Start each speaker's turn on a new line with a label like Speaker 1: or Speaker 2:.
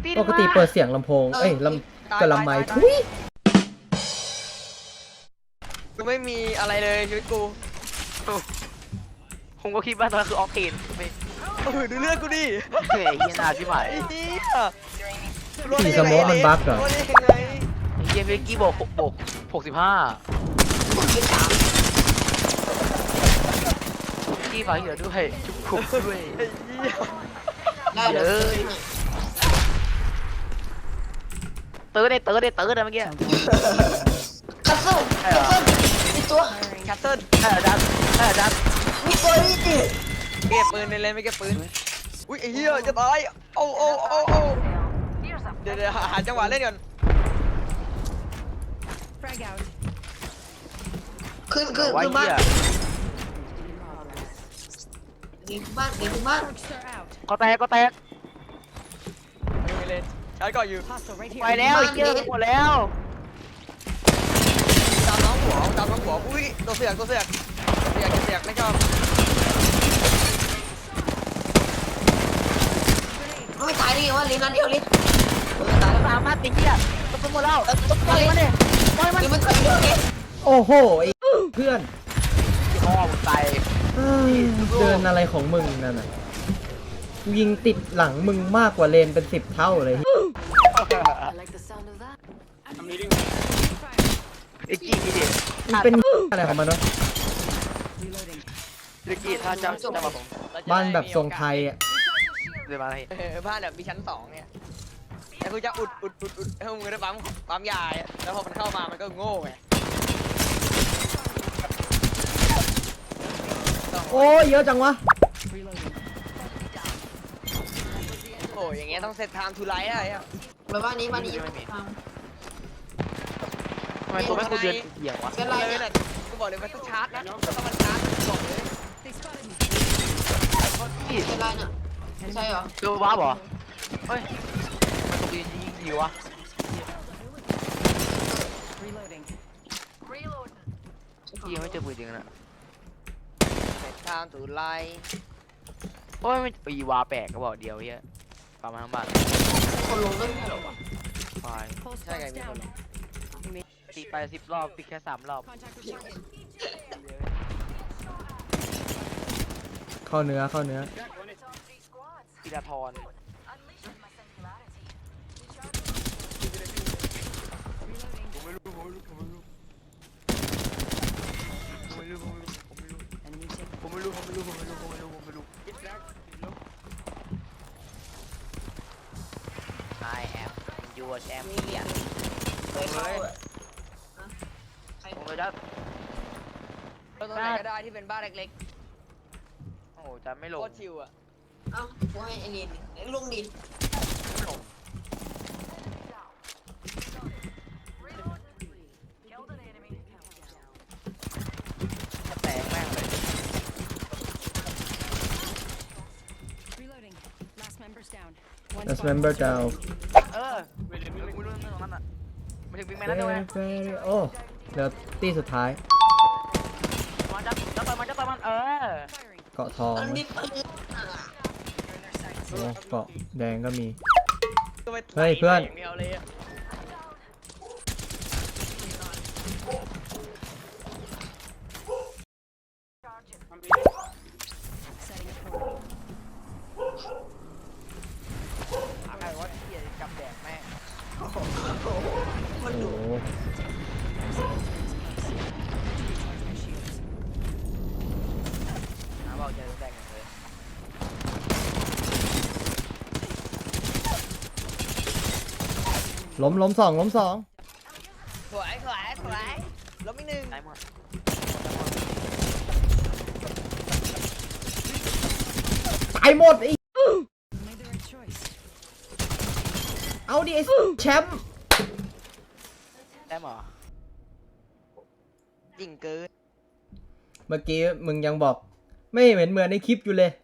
Speaker 1: ปกติเปิดเสียงลำโพงกับลำไมค์ทุย
Speaker 2: กูไม่มีอะไรเลยชีวิตกู
Speaker 3: ผมก็คิดว่าตอนนั้นคือออกเทนไม่
Speaker 2: ดูเลือดกูดิ
Speaker 3: เฮ้ยเฮียนาที่หมาย
Speaker 2: ไอ้เหี้ย
Speaker 1: สีสโมกมันบั๊กเหรอ
Speaker 2: รอดได้ยังไง
Speaker 3: เฮียเมื่อกี้บอก65กี้ฝากเหยื่อด้วยจุกขุบด้วย
Speaker 2: ไอ้เหี้ย
Speaker 3: เยอะเตอร์ได้เมื่อกี้
Speaker 4: คัสเซิลมีตัว
Speaker 2: แคสเซิล
Speaker 3: ใช่ดัน
Speaker 4: มีตัวนี่
Speaker 2: เก็บปืนในเลนไม่เก็บปืนอุ้ยไอ้เหี้ยจะตายโอ้เดี๋ยวหาจังหวะเล่นก่อน
Speaker 4: ขึ้นบ้านเก่งบ้าน
Speaker 3: ก็แตก
Speaker 2: ไม่เล่นชาร์จก่อนอยู่
Speaker 3: ไปแล้วเยอะหมดแล้ว
Speaker 2: ตามน้องหัวอุ้ยตัวเสือกไม่ชอบ
Speaker 4: ไม่ตายได้ไงวะลิ้นนัดเดียวลิ้นตายแล้ว
Speaker 3: สามารถติดเหี้ยตัวหมดแล้วปล่อยมันดิปล่อยมัน
Speaker 4: ลิ้นมันตายเดียวเอง
Speaker 1: โอ้โหไอ้เพื่อน
Speaker 3: พ่อมึงตาย
Speaker 1: เดินอะไรของมึงนั่นน่ะยิงติดหลังมึงมากกว่าเลนเป็น10 เท่าเลย
Speaker 3: ไอ้กี้ดิ
Speaker 1: มันเป็นอะไรของมันวะ
Speaker 3: ไอ้กี้ถ้าจำมาผม
Speaker 1: บ้านแบบทรงไทยอ่ะ
Speaker 3: เดี๋ยวมาให้
Speaker 2: บ้านแบบมีชั้น2เนี่ยแต่กูจะอุดให้มึงได้ปั๊มยาแล้วพอมันเข้ามามันก็โง่ไง
Speaker 1: โอ้ยเยอะจังวะ
Speaker 2: โอ้ยอย่างเงี้ยต้องเซตไทม์ทูไลท์อะไรอ่ะ
Speaker 4: แบบบ้านนี้
Speaker 3: ทำไมตัวแม่กูเดือนเหี่ยววะ
Speaker 4: เป็นไร
Speaker 2: เลย
Speaker 4: เนี่ย
Speaker 2: นะกูบอกเลยมันต้องชาร์จนะต้องมันชาร์จบอกเลย
Speaker 3: กี้
Speaker 4: เป็นไรเนี่ยไม่ใช่เหรอ
Speaker 3: ตัวว้าบเหรอเฮ้ยมันตัวยิงดีวะกี้ไม่เจอปืนจริงนะ
Speaker 2: เซตไทม์ทูไลท์
Speaker 3: โอ้ยไม่ปีวาแปลกก็บอกเดียวเฮียประมาณทั้งบ้าน
Speaker 4: คนลงก็ไม่ใช่หรอวะ
Speaker 3: ไฟ
Speaker 2: ใช่ไงมีคน
Speaker 3: ตีไป10 รอบตีแค่3 รอบ
Speaker 1: เข้าเนื้อ
Speaker 3: ธีรทรผมไม่รู้I am your champion
Speaker 4: เคยเข้าอ่ะใคร
Speaker 3: ผมเลยจะ
Speaker 2: เราตัวไหนก็ได้ที่เป็นบ้านเล็ก
Speaker 3: โอ้โหจะไม่
Speaker 2: ๆ
Speaker 3: ล
Speaker 2: โค
Speaker 3: ง
Speaker 2: ตรชิวอ่ะ
Speaker 4: เอ้ากูให้ไอ้ลิ้นลุงดิ
Speaker 3: ไม่ลงจะแตกแม่งเลย
Speaker 1: Last member down
Speaker 3: ไม่รู้เรื่องนั้นอ่ะไม่ถึงบิ๊กแมนนั่นด้วย
Speaker 1: โอ้เดี๋ยวตีสุดท้าย
Speaker 3: มันจะต่อยมัน
Speaker 1: เกาะทอง
Speaker 4: อัน
Speaker 1: นะ
Speaker 4: นี้ปืน
Speaker 1: โอ้เกาะแดงก็มี
Speaker 2: ก็ไป
Speaker 1: เฮ้ยเพื่อน
Speaker 2: อย่างเดียวเลยอะใครว่าเกียร์กับแดกแม่
Speaker 1: โอ้โห
Speaker 3: บอกจะแตกอย่างเลย
Speaker 1: ล้มสอง
Speaker 2: สวยล้มอีกหนึ่ง
Speaker 3: ตายหมด
Speaker 1: ตายหมดไอ้เอาดิไอ้แชมป์
Speaker 3: ได้หมอ
Speaker 2: จริงเกิน
Speaker 1: เมื่อกี้มึงยังบอกไม่เหมือนในคลิปอยู่เลย